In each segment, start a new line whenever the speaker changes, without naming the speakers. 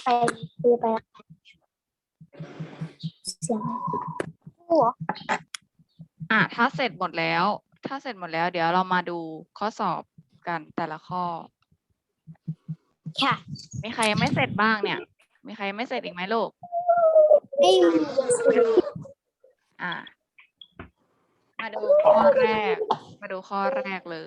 ไปคุยไปเสียงหัว
ถ้าเสร็จหมดแล้ว เดี๋ยวเรามาดูข้อสอบกันแต่ละข้อ
ค่ะ
มีใครยังไม่เสร็จบ้างเนี่ย มีใครไม่เสร็จอีกไหมลูก
ไม่มี
มาดูข้อแรก เลย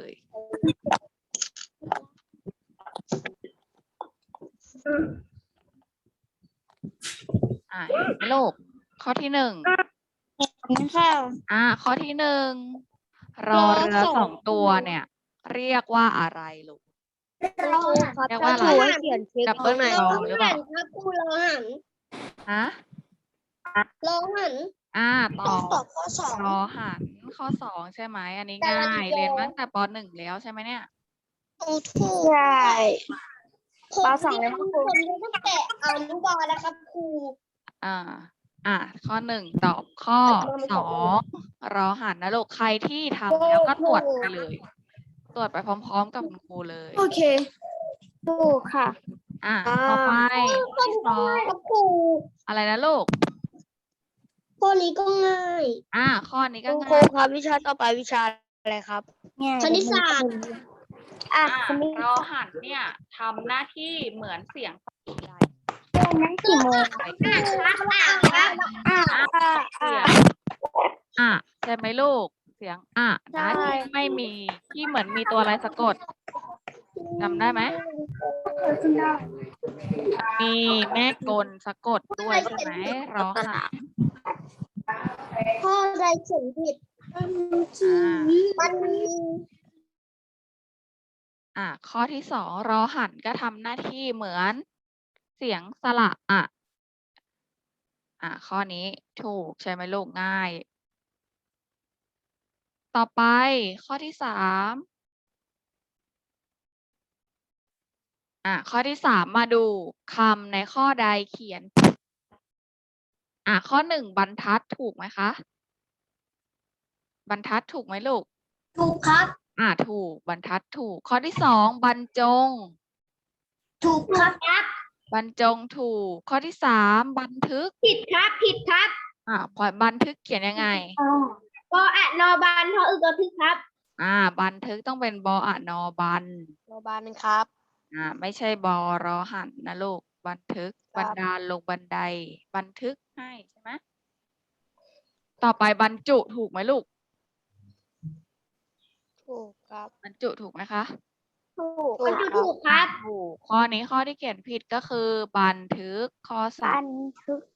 เห็นไหมลูก ข้อที่หนึ่ง
ค่ะ
ข้อที่หนึ่งรอเรือสองตัวเนี่ย เรียกว่าอะไรลูก
ครับ
เรียกว่าอะไร
เขียนเช็ค
ดับเบิลรอหรือเปล่า
ครับครูรอหัน
ฮะ
รอหัน
ตอบ
ข้อสอง
รอหันข้อสองใช่ไหม อันนี้ง่าย เรียนมาตั้งแต่ป.1 แล้วใช่ไหมเนี่ย
ถูกใช่ป.2เลยครับครูผมดูตั้งแต่อนุบาลแล้วครับครู
ข้อหนึ่งตอบข้อสองรอหันนะลูก ใครที่ทำแล้วก็ตรวจไปเลย ตรวจไปพร้อมๆกับคุณครูเลย
โอเคถูกค่ะ
ต่อไปข้อที่สอง
ครับครู
อะไรนะลูก
ข้อนี้ก็ง่าย
ข้อนี้ก็
ครู
ง่าย
ครับวิชาต่อไปวิชาอะไรครับ
คณิตศาสตร์คณิต
รอหันเนี่ยทำหน้าที่เหมือนเสียงใด
นั้นกี่โมง
เสียงใช่ไหมลูก เสียงนะที่ไม่มีที่เหมือนมีตัวอะไรสะกดจำได้ไหม มีแม่กลสะกดด้วยใช่ไหมรอหัน
ข้อใดเขียนผิดมันมี
ข้อที่สองรอหันก็ทำหน้าที่เหมือนเสียงสระข้อนี้ถูกใช่ไหมลูกง่าย ต่อไปข้อที่สามข้อที่สามมาดูคำในข้อใดเขียนข้อหนึ่งบรรทัดถูกไหมคะ บรรทัดถูกไหมลูก
ถูกครับ
ถูกบรรทัดถูก ข้อที่สองบรรจง
ถูกครับ
บรรจงถูก ข้อที่สามบันทึก
ผิดครับผิดครับ
บันทึกเขียนยังไง
ปอะนอบานทออึกระทึกครับ
บันทึกต้องเป็นบอะนอบัน
โรงพยาบาลครับ
ไม่ใช่บอรอหันนะลูก บันทึก
ครับ
บันดาลลงบันได บันทึกให้ใช่ไหม ต่อไปบรรจุถูกไหมลูก
ถูกครับ
บรรจุถูกไหมคะ
ถูกมันจะถูกครับ
ถูก ข้อนี้ข้อที่เขียนผิดก็คือ บันทึกข้อสาม
ทึก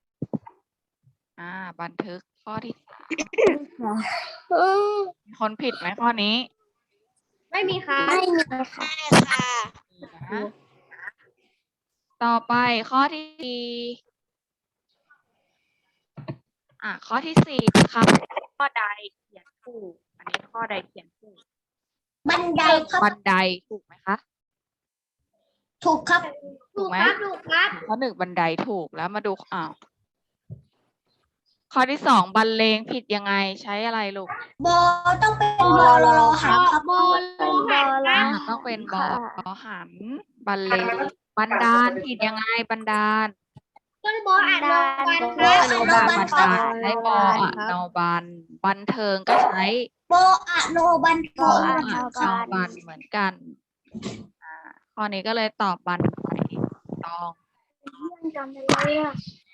บันทึกข้อที่สามมีคนผิดไหมข้อนี้
ไม่มีครับไม่มีค่ะ
ค่ะ
นะต่อไปข้อที่สี่ข้อที่สี่ครับข้อใดเขียนถูก อันนี้ข้อใดเขียนถูก
บันไดครับ
บันไดถูกไหมคะ
ถูกครับ
ถูกไหม
ถูกครับ
ข้อหนึ่งบันไดถูกแล้วมาดูข้อที่สองบรรเลงผิดยังไงใช้อะไรลูก
บอต้องเป็นบอรอหันครับบอรอหัน
ต้องเป็นบอหันบรรเลงบันดาลผิดยังไงบันดาล
ต้นบออะนอบัน
บออโนบันบันดาลใช้บออะโนบันบันเทิงก็ใช้
บออะโนบัน
บออะโนบันเหมือนกันข้อนี้ก็เลยตอบบันไดต้อง
จำได้เลยอ่ะ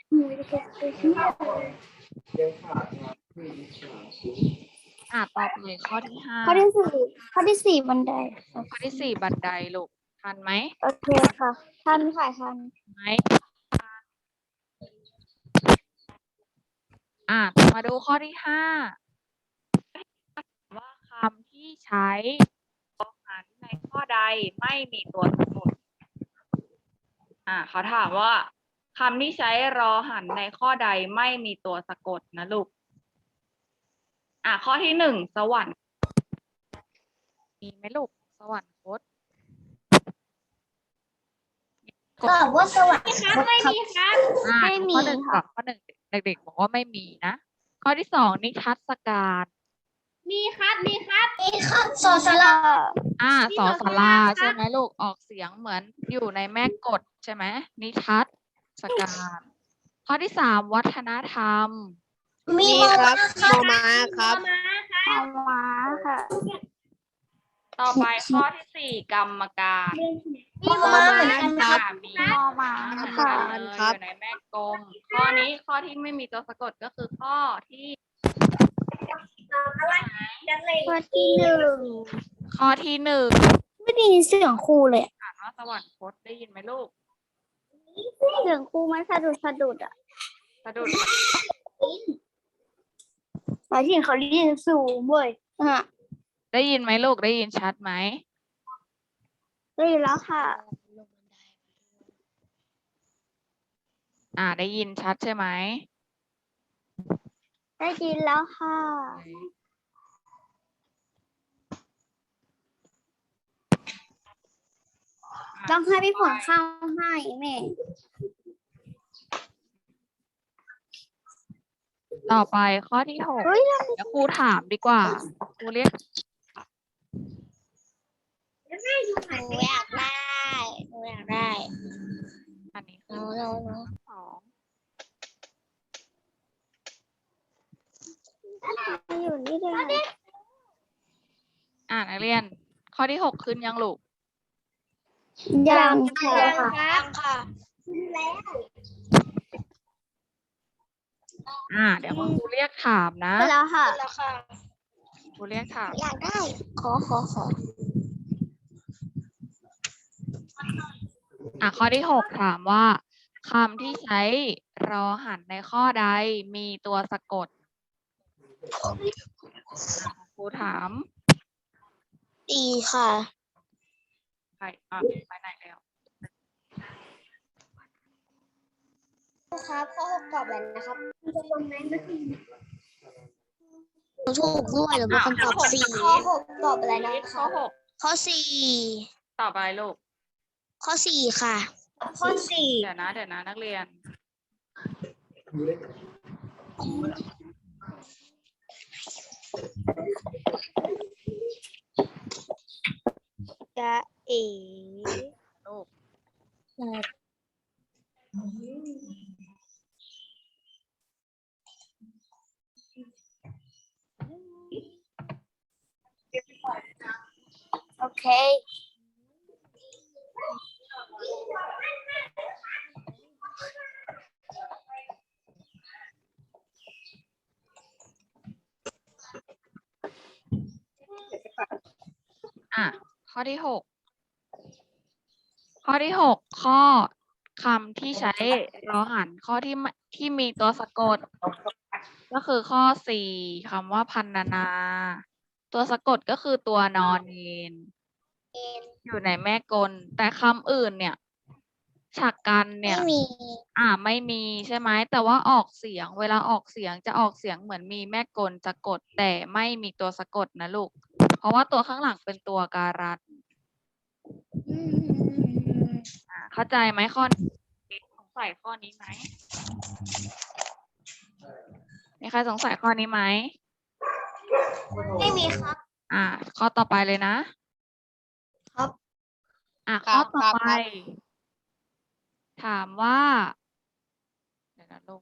ต่อไปข้อที่ห้า
ข้อที่สี่บันได
ข้อที่สี่บันไดลูกทันไหม
โอเคค่ะทันค่ะทัน
ไหมมาดูข้อที่ห้าว่าคำที่ใช้รอหันในข้อใดไม่มีตัวสะกดเขาถามว่าคำที่ใช้รอหันในข้อใดไม่มีตัวสะกดนะลูกข้อที่หนึ่งสวรรค์มีไหมลูกสวรรคต
ตอบว่าสวัสดีครับไม่มีครับ ไม่มี
ข้อหนึ่งก่อนข้อหนึ่งเด็กๆบอกว่าไม่มีนะ ข้อที่สองนิทรรศการ
มีครับสอสระ
สอสลาใช่ไหมลูกออกเสียงเหมือนอยู่ในแม่กฎใช่ไหมนิทัศการข้อที่สามวัฒนธรรม
มี
ครับมอม้าครับ
เอามาค่ะ
ต่อไปข้อที่สี่กรรมการ
มีมาเหมือนกัน
ครับ
มี
มอมา
เหมือน
ค่ะ
กันเลยอยู่ในแม่กลมข้อนี้ข้อที่ไม่มีตัวสะกดก็คือข้อที่
ข้อที่หนึ่ง
ข้อที่หนึ่ง
ไม่ได้ยินเสียงครูเลย
อ่านว่าสวรรคตได้ยินไหมลูก
เสียงครูมันสะดุดอ่ะ
สะดุด
หมายถึงเขาเรียนสูงเว้ยอ่ะ
ได้ยินไหมลูกได้ยินชัดไหม
ได้ยินแล้วค่ะ
ได้ยินชัดใช่ไหม
ได้ยินแล้วค่ะ ต้องให้พี่ผลเข้าให้แม่
ต่อไปข้อที่หก
เฮ้ย
เดี๋ยวครูถามดีกว่าครูเรียก
หนูอยากได้หนูอยากได้
อันนี้คือ
หนู
สอง
อยู่นี่เลย
นักเรียน ข้อที่หกขึ้นยังลูก
ยังค่ะ
ค่ะ
เดี๋ยวคุณครูเรียกถามนะ
แล้วค่ะ
แล้วค่ะ
ครูเรียกถาม
อยากได้ ขอ
ข้อที่หกถามว่าคำที่ใช้รอหันในข้อใดมีตัวสะกดครูถาม
ดีค่ะ
ไปไปไหนแล้ว
ครับข้อหกตอบอะไรนะครับถูกด้วยหรือเป็นคำตอบสี่ข้อหกตอบอะไรนะ
ข้อหก
ข้อสี่
ตอบอะไรลูก
ข้อสี่ค่ะ ข้อสี่
เดี๋ยวนะนักเรียน
จะเอ๋
ลูก
โอเค
ข้อที่หก ข้อที่หกข้อคำที่ใช้รอหันข้อที่มีตัวสะกด ก็คือข้อสี่คำว่าพันนา ตัวสะกดก็คือตัวนอนเนอยู่ในแม่กลแต่คำอื่นเนี่ยฉากกันเนี่ย
ไม่มี
ไม่มีใช่ไหมแต่ว่าออกเสียงเวลาออกเสียงจะออกเสียงเหมือนมีแม่กลสะกดแต่ไม่มีตัวสะกดนะลูกเพราะว่าตัวข้างหลังเป็นตัวการันเข้าใจไหมข้อนี้สงสัยข้อนี้ไหมมีใครสงสัยข้อนี้ไหม
ไม่มีครับ
ข้อต่อไปเลยนะครับ ข้อต่อไป ถามว่าเดี๋ยวนะลูก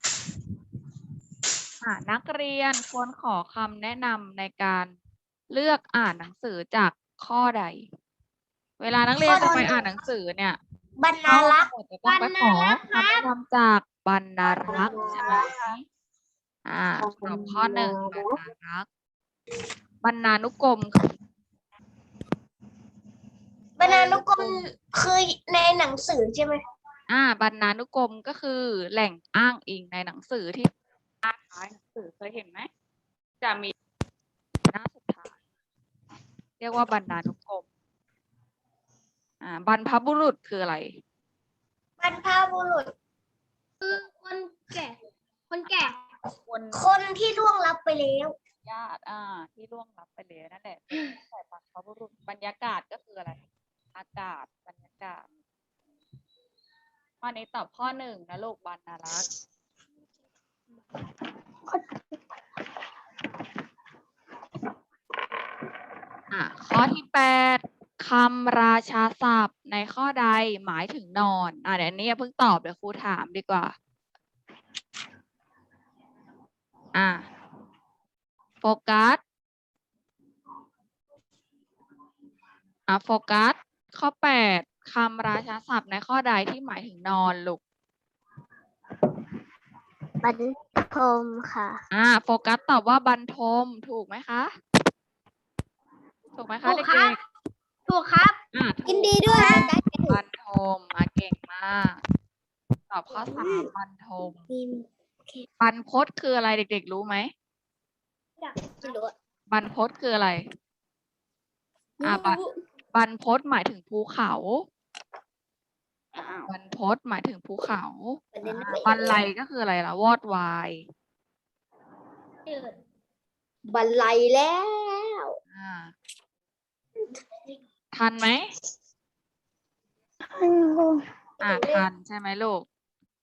นักเรียนควรขอคำแนะนำในการเลือกอ่านหนังสือจากข้อใด เวลานักเรียนจะไปอ่านหนังสือเนี่ย
บรรณารักษ์
จะต้องไปขอคำแนะนำจากบรรณารักษ์ใช่ไหมตอบข้อหนึ่งบรรณารักษ์บรรณานุกรม
บรรณานุกรมคือในหนังสือใช่ไหม
บรรณานุกรมก็คือแหล่งอ้างอิงในหนังสือที่หน้าท้ายหนังสือเคยเห็นไหมจะมีหน้าสุดท้ายเรียกว่าบรรณานุกรมบรรพบุรุษคืออะไร
บรรพบุรุษคือคนแก่ คนที่ล่วงลับไปแล้ว
ญาติที่ล่วงลับไปแล้วนั่นแหละแต่บรรพบุรุษบรรยากาศก็คืออะไรอากาศบรรยากาศข้อนี้ตอบข้อหนึ่งนะลูกบรรณารักษ์ข้อที่8คำราชาศัพท์ในข้อใดหมายถึงนอนเดี๋ยวนี้อย่าเพิ่งตอบเดี๋ยวครูถามดีกว่าโฟกัสโฟกัสข้อ8คำราชาศัพท์ในข้อใดที่หมายถึงนอนลูก
บรรทมค่ะ
โฟกัสตอบว่าบรรทมถูกไหมคะถูกไหมคะ
ถูก
เด็
ครับ
ก
ถูกครับ
ๆ
ยินดีด้วย
บรรทมเก่งมากตอบข้อ3บรรทมบรรพตคืออะไรเด็กๆรู้ไหมบรรพตคืออะไรบรรพตหมายถึงภูเขาบรรพตหมายถึงภูเขาบรรลัยก็คืออะไรล่ะวอดวาย
บรรลัยแล้ว
ทันไหมทันใช่ไหมลูก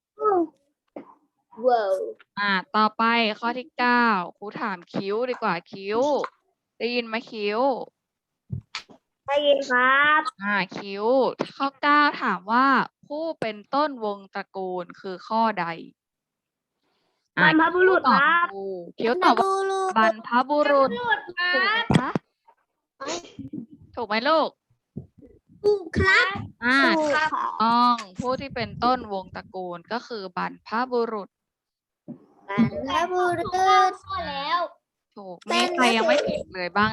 ว้าว
ต่อไปข้อที่9ครูถามคิ้วดีกว่าคิ้ว ได้ยินไหมคิ้ว
ได้ยินครับ
คิ้ว ข้อ9ถามว่าผู้เป็นต้นวงตระกูลคือข้อใด
บรรพบุรุษครับ
คิ้วตอบว่าบรรพบุรุษ ถูกไหมคะถูกไหมลูก
ถูกครับ
ถูกต้องผู้ที่เป็นต้นวงตระกูลก็คือบรรพบุรุษ
บรรพบุรุษ
ข้อแล้ว
ถูกมีใครยังไม่ผิดเลยบ้าง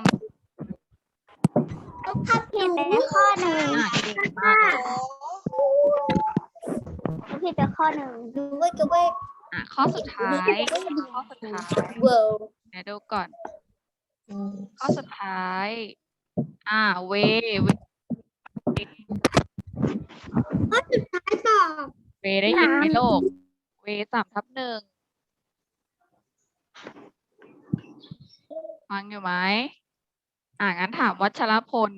ถ้าผิดไปข้อหนึ่ง
เก่งมากเลย
ถ้าผิดไปข้อหนึ่งดูไว้ก็ไว้
ข้อสุดท้ายข้อสุดท้าย
ว้าว
เดี๋ยวดูก่อน ข้อสุดท้ายเว
ข้อสุดท้ายตอบ
เวได้ยินไหมโลก เว3/1ฟังอยู่ไหมงั้นถามวัชรพล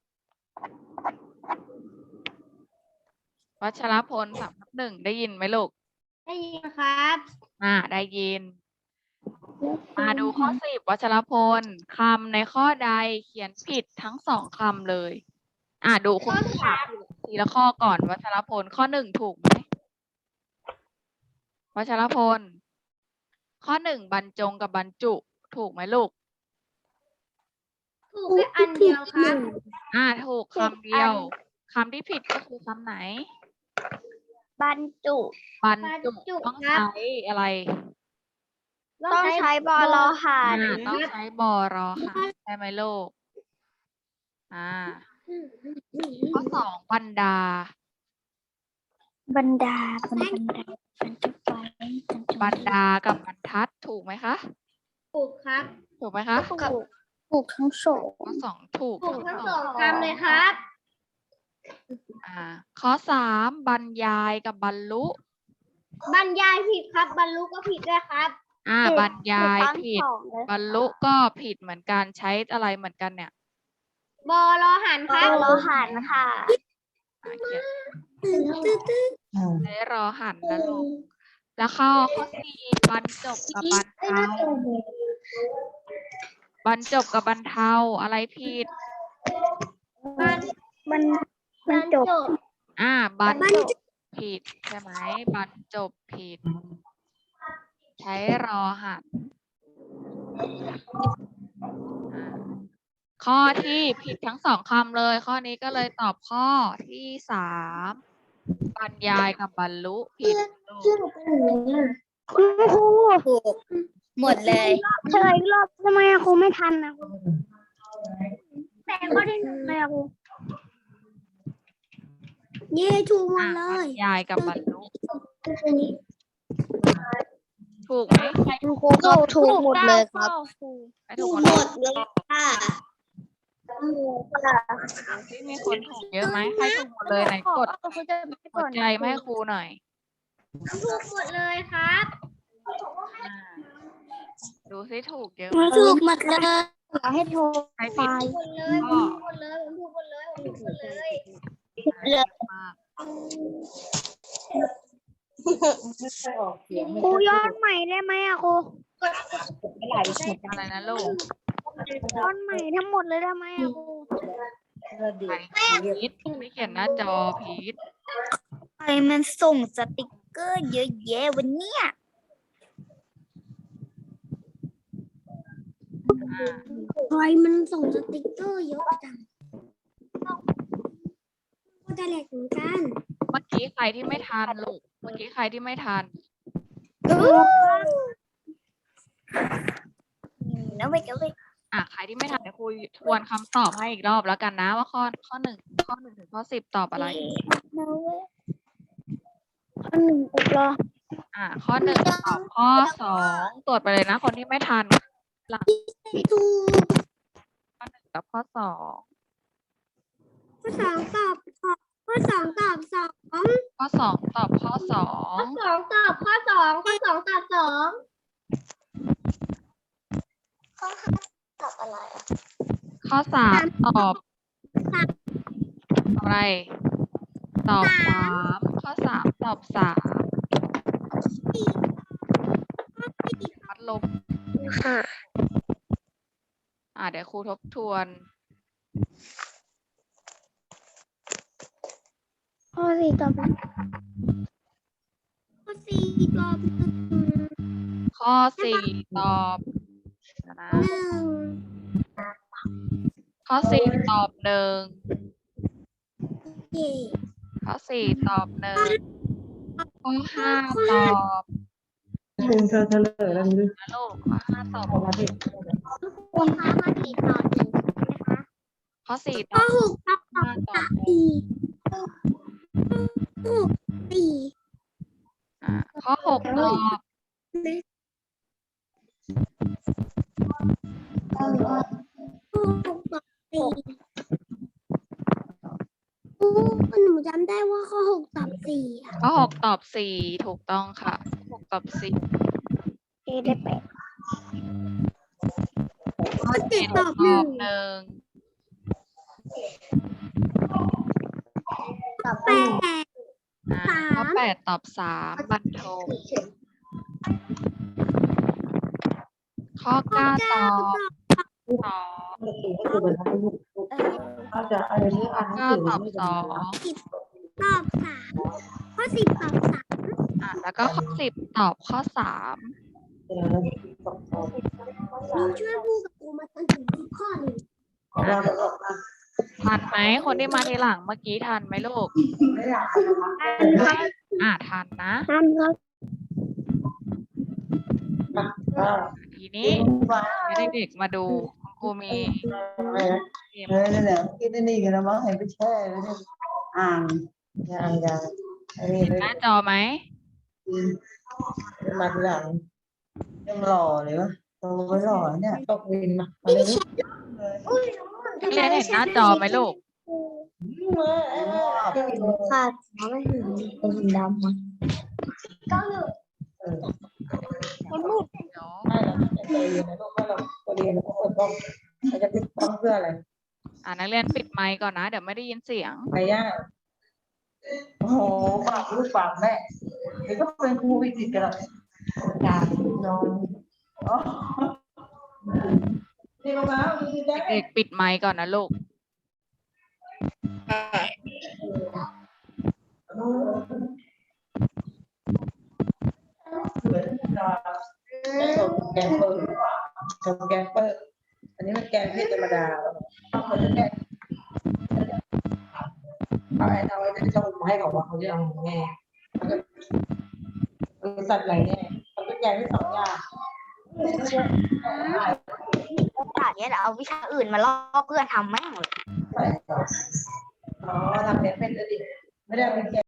วัชรพล3/1ได้ยินไหมลูก
ได้ยินครับ
ได้ยิน มาดูข้อ10วัชรพลคำในข้อใดเขียนผิดทั้ง2คำเลย ดูคุณครูถามทีละข้อก่อนวัชรพลข้อ1ถูกไหมวัชรพล ข้อ1บรรจงกับบรรจุถูกไหมลูก
ถูกแค่อันเดียวครับ
ถูกคำเดียวคำที่ผิดก็คือคำไหน
บรรจุ
บรรจุต้องใช้อะไร
ต้องใช้บอลอหัน
ต้องใช้บอรอหันใช่ไหมลูกข้อ2บรรดา
บรรดาบรรดา
บรรดากับบรรทัดถูกไหมคะ
ถูกครับ
ถูกไหมคะ
ถูกทั้งสอง
ข้อ2ถูก
ถูกทั้งสองคำเลยครับ
ข้อ3บรรยายกับบรรลุ
บรรยายผิดครับ บรรลุก็ผิดด้วยครับ
บรรยายผิด บรรลุก็ผิดเหมือนกันใช้อะไรเหมือนกันเนี่ย
บอรอหันครับ
บอลอหันค่ะ
เขียนใช้รอหันนะลูกแล้วข้อ4บรรจบกับบรรเทาบรรจบกับบรรเทาอะไรผิด
บรร
บรรจบ
บรรจบผิดใช่ไหมบรรจบผิด ใช้รอหันข้อที่ผิดทั้ง2คำเลย ข้อนี้ก็เลยตอบข้อที่3บรรยายกับบรรลุผิด
คุณครู
ถูกหมดเลย
เฉลยอีกรอบทำไมอะครูไม่ทันนะครูแต่ข้อที่หนึ่งเลยอะครูเย่ถูกหมดเล
บร
ย
รยายกับบรรลุถูกไหมใคร
ครูก็ถูกหมดเลยครับ
ใครถูกหมดเลย
ค่ะ
ที่มีคนถูกเยอะไหมใครถูกหมดเลยไหนกดหัวใจมาให้ครูหน่อย
ถูกหมดเลยครับ
ดูซิถูกเยอะ
ถูกหมดเลยให้ถูก
ใครผิด
หมดเลยผมถูกหมดเลยผมถูกหมดเลยผมถูกหมดเลย
เยอะมาก
ครูย้อนใหม่ได้ไหมอะครู
อะไรนะลูก
ต้นใหม่ทั้งหมดเลยได้ไหมอะครู
พีทไม่เขียนหน้าจอพีท
ใครมันส่งสติกเกอร์เยอะแยะวันเนี้ย
ใครมันส่งสติกเกอร์เยอะจังก็จะแหลกเหมือนกัน
เมื่อกี้ใครที่ไม่ทันลูกเมื่อกี้ใครที่ไม่ทัน
แล้วไปก็ไป
ใครที่ไม่ทันเดี๋ยวครูทวนคำตอบให้อีกรอบแล้วกันนะว่าข้อหนึ่งถึงข้อ 10ตอบอะไร
ข้อหนึ่งอีกเหรอ
ข้อ 1ตอบข้อ 2ตรวจไปเลยนะคนที่ไม่ทันหลัง
ถูก
ข้อ 1กับข้อ 2
ข้อสองตอบข้อสองตอบสอง
ข้อ 2ตอบข้อ 2
สองตอบข้อสองข้อสองตอบสองข้อห้าตอบอะไรอ่ะ
ข้อ 3ตอบอะไรตอบ 3ข้อ 3ตอบ 3พัดลม
ค่ะ
เดี๋ยวครูทบทวน
ข้อสี่ตอบข้อสี่ตอบ
ข้อ 4ตอบนะ
หนึ่ง
ข้อ 4ตอบ 1
เย่
ข้อ 4ตอบ 1ข้อ 5ตอบ
คุณเธอเฉลยแล้วนี่
นะลูกข้อ 5ตอบ
มาดิ
คุณคะมากี่ตอบหนึ่งนะคะ
ข้อ 4ต
ข้
อ
อบ หกตอบ
5ตอบ
สี่หกสี่
ข้อ 6ตอบ
หกตอบสี่หนูจำได้ว่าข้อหกตอบสี่อะ
ข้อ 6ตอบ 4ถูกต้องค่ะ6ตอบ 4
ได้แปดข้อเจ็ดตอบ
ต
ห
อ
นึ่ง
บ 1
แปด
ข้อ 8ตอบ 3บรรทมข้อ 9ตอบ 2
ปกติก็คือเป็นทั้งลูกถ้าจะอะไรที่อ่านหนังสือ
9ตอบ
ไม่
2
ตอบสามข้อสิบตอบสาม
แล้วก็ข้อ 10ตอบข้อ 3
เป็นอะไรสองสอง
หนูช่วยพูดกับกูมาจนถึงทุกข้อเลย
เพราะว่าเราออกมา
ทันไหมคนที่มาทีหลังเมื่อกี้ทันไหมลูก
ไม่อยากนะคะ
ทันนะ
ท่านครับ
ทีนี้ให้เด็กๆมาดูคุณครูมีเกม
นั่นแหละคิดนี่กันแล้วมั้งให้ไปแช่แล้วเนี่ยอ่างยางอันนี้
เห็นหน้าจอไหม
มาทีหลังยังหล่อเลยวะโตไม่หล่อเนี่ยตกวินมาอะไรนี่
นักเรียนเห็นหน้าจอไหมลูก
ค่ะไม่เห็นเป็นดำมันก็อยู่
เดี๋ยว
ไม่หรอกใจเย็นนะลูกถ้าเราเรียนเราก็เปิดกล้องเราจะปิดกล้องเพื่ออะไร
นักเรียนปิดไมค์ก่อนนะ เดี๋ยวไม่ได้ยินเสียง
ไปย่าโอ้โหฝากลูกฝากแม่เดี๋ยวก็เป็นครูวิจิตรกันหรอกอยากนอนอ๋อนี่มาดีได้
เด็กๆปิดไมค์ก่อนนะลูก
เหมือนแกงเปิดแกงเปิดอันนี้มันแกงเผ็ดธรรมดาเขาจะแกงเอาไอ้ที่ชอบมาให้ของว่าเขาจะเอาแง่สัตว์อะไรแง่เขาจะแกงได้2 อย่าง
โอกาสเนี้ยเดี๋ยวเอาวิชาอื่นมาล่อเพื่อนทำแม่งเลย
อ๋อทำเนี่ยเป็นอดีตไม่ได้เป็นแก